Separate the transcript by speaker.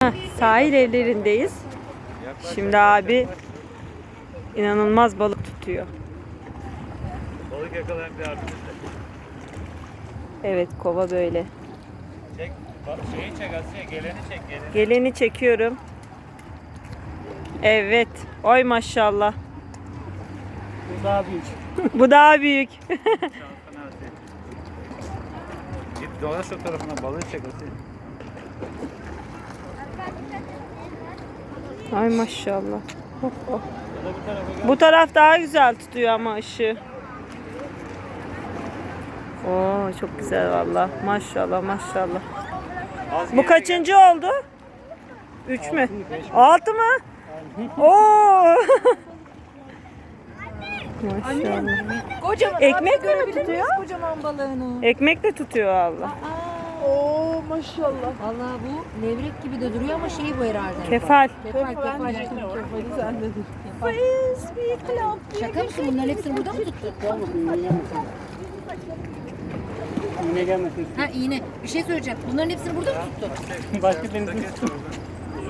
Speaker 1: Sahil evlerindeyiz. Şimdi abi inanılmaz balık tutuyor.
Speaker 2: Balık yakalayan bir abimiz de.
Speaker 1: Evet, kova böyle.
Speaker 2: Çek, şeyi çek Asiye, geleni çek, geleni.
Speaker 1: Geleni çekiyorum. Evet. Oy maşallah.
Speaker 3: Bu daha büyük.
Speaker 1: Bu daha büyük.
Speaker 2: Şansına Asiye. Git dolaş o tarafına, balığı çek Asiye.
Speaker 1: Ay maşallah. Hop, hop.
Speaker 2: Ya da bu tarafa gel.
Speaker 1: Bu taraf daha güzel tutuyor ama ışığı. Oo, çok güzel valla. Maşallah maşallah.
Speaker 2: Az
Speaker 1: Bu
Speaker 2: geri
Speaker 1: kaçıncı oldu? 3 mü? 6 mı? Oo. Maşallah.
Speaker 4: Kocaman.
Speaker 1: Ekmek mi
Speaker 4: görebilir
Speaker 1: tutuyor?
Speaker 4: miyiz kocaman balığını?
Speaker 1: Ekmek de tutuyor valla.
Speaker 4: Oo maşallah. Vallahi bu levrek gibi de duruyor ama şey bu herhalde.
Speaker 1: Kefal.
Speaker 4: Kefal.
Speaker 3: Kefali sendedir.
Speaker 4: Frisbee club. Şaka mısın? Bunların hepsini burada mı tuttun?
Speaker 3: Gelmesin, iğne gelmesin. İğne gelmesin.
Speaker 4: Ha iğne. Bir şey söyleyeceğim. Bunların hepsini burada mı tuttun?
Speaker 3: Başka deniz